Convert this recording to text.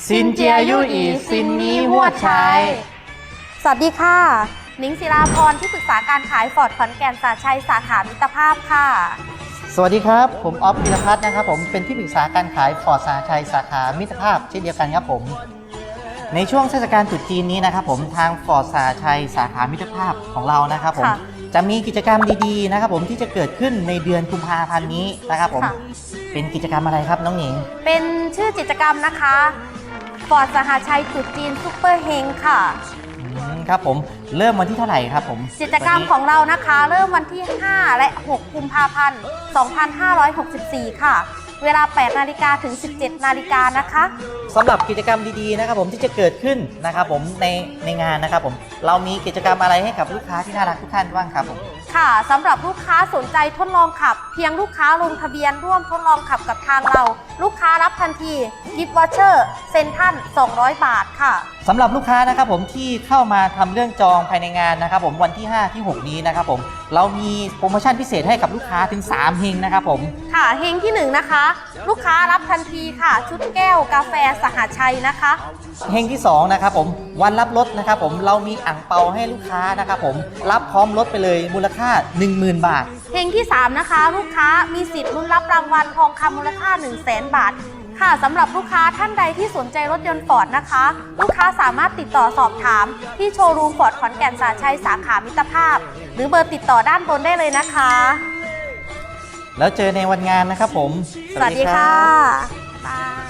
ซินเจียยู่อีซินนี้หัวใช้สวัสดีค่ะนิ้งศิลาพรที่ปรึกษาการขายฟอร์ดขอนแก่นสาชัยสาขามิตรภาพค่ะสวัสดีครับผมออฟพิรพัฒน์นะครับผมเป็นที่ปรึกษาการขายฟอร์ดสาชัยสาขามิตรภาพเช่นเดียวกันครับผมในช่วงเทศกาลตรุษจีนนี้นะครับผมทางฟอร์ดสาชัยสาขามิตรภาพของเรานะครับผมจะมีกิจกรรมดีๆนะครับผมที่จะเกิดขึ้นในเดือนกุมภาพันธ์นี้นะครับผมเป็นกิจกรรมอะไรครับน้องหนิงเป็นชื่อกิจกรรมนะคะฟอร์ดสหชัยตรุษจีนซุปเปอร์เฮงค่ะครับผมเริ่มวันที่เท่าไหร่ครับผมกิจกรรมของเรานะคะเริ่มวันที่5และ6กุมภาพันธ์2564ค่ะเวลา8 นาฬิกาถึง 17 นาฬิกานะคะสำหรับกิจกรรมดีๆนะครับผมที่จะเกิดขึ้นนะครับผมในงานนะครับผมเรามีกิจกรรมอะไรให้กับลูกค้าที่น่ารักทุกท่านบ้างครับผมค่ะสำหรับลูกค้าสนใจทดลองขับเพียงลูกค้าลงทะเบียนร่วมทดลองขับกับทางเราลูกค้ารับทันทีกิฟต์วอเชอร์เซ็นทรัล200 บาทค่ะสำหรับลูกค้านะครับผมที่เข้ามาทำเรื่องจองภายในงานนะครับผมวันที่5ที่6นี้นะครับผมเรามีโปรโมชั่นพิเศษให้กับลูกค้าถึง3เฮงนะครับผมค่ะเฮงที่1นะคะลูกค้ารับทันทีค่ะชุดแก้วกาแฟสหชัยนะคะเฮงที่2นะครับผมวันรับรถนะครับผมเรามีอั่งเปาให้ลูกค้านะครับผมรับพร้อมรถไปเลยมูลค่า 10,000 บาทเฮงที่3นะคะลูกค้ามีสิทธิ์ลุ้นรับรางวัลทองคำมูลค่า 100,000 บาทค่ะสำหรับลูกค้าท่านใดที่สนใจรถยนต์ฟอร์ดนะคะลูกค้าสามารถติดต่อสอบถามที่โชว์รูมฟอร์ดขอนแก่นสาชัยสาขามิตรภาพหรือเบอร์ติดต่อด้านบนได้เลยนะคะแล้วเจอในวันงานนะครับผมสวัสดีค่ะบ๊ายบาย